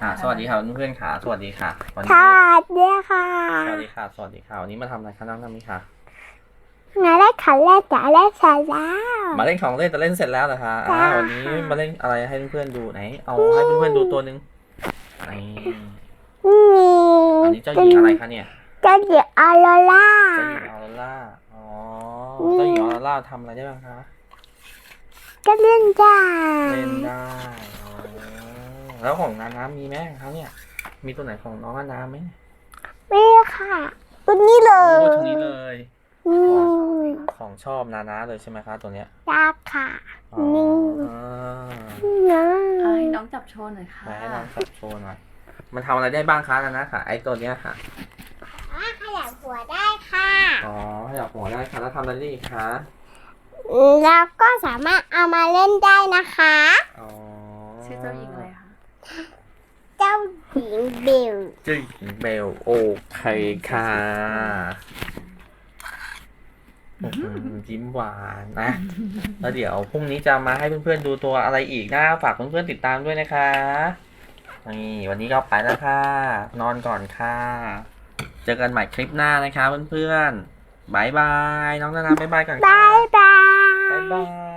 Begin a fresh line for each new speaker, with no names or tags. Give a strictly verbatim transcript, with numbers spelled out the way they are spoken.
อ่าสวัสดีค่ะเพื่อนๆค่ะสวัสดีค่ะวัน
ส
นี้
วัสดีค่ะ
สวัสดีค่ะสวัสดีค่ะวันนี้มาทำอะไรคะน้องนามิค่ะ
มาเล่นขันเล่นจ๋าเล่นเสร็จแล้ว
มาเล่นของเล่นแต่เล่นเสร็จแล้วเหรอคะอ่า
จ้า
วันนี้
ค่ะ
มาเล่นอะไรให้เพื่อนๆดูไหนเอา
อื
ให้เพื่อนๆดู
ม
ตัวหนึ่งนี่
อืม
อันนี้เจ้าห
เป็น
ญิงอะไรคะเนี่ย
เจ้าหญิงออโรร่า
เจ้าหญิงออโรร่าอ๋อเจ้า
นี่
หญิงออโรร่าทำอะไรได้บ้างคะ
ก็เล่นได้
เล่นได้อ๋อแล้วของนานามีไหมคะเนี่ยมีตัวไหนของน้องนานาไหม
ไม่ค่ะตัวนี้เล
โอ้
ย
ตัวนี้เลย
อื
ของ
ม
ของชอบนานาเลยใช่ไหมคะตัวเนี้ย
ยากค่ะ
อ๋อ
นี่นะ
อ่าให้น้องจับโชว์หน่อยค่ะ
ไหนให้ลองจับโชว์หน่อย มันทำอะไรได้บ้างคะนะนะค่ะไอ้ตัวเนี้ยค่ะ
ขยับหัวได้ค่ะ
อ๋อขยับหัวได้ค่ะแล้วทำอะไรได้อีกคะ
แล้วก็สามารถเอามาเล่นได้นะคะ
อ๋อ
ชื่อเจ้าหญิงอะไรคะ
เจ้าหญิงเบล
เจ้าหญิงเบลโอเคค่ะอื้อหือยิ้มหวานนะ แล้วเดี๋ยวพรุ่งนี้จะมาให้เพื่อนๆดูตัวอะไรอีกนะฝากเพื่อนๆติดตามด้วยนะคะนี่วันนี้ก็ไปแล้วค่ะ นอนก่อนค่ะ เจอกันใหม่คลิปหน้านะคะเพื่อนๆบายบายน้องนานาบายบายก่อนค่ะ
บายบา
บาย
ย
บาย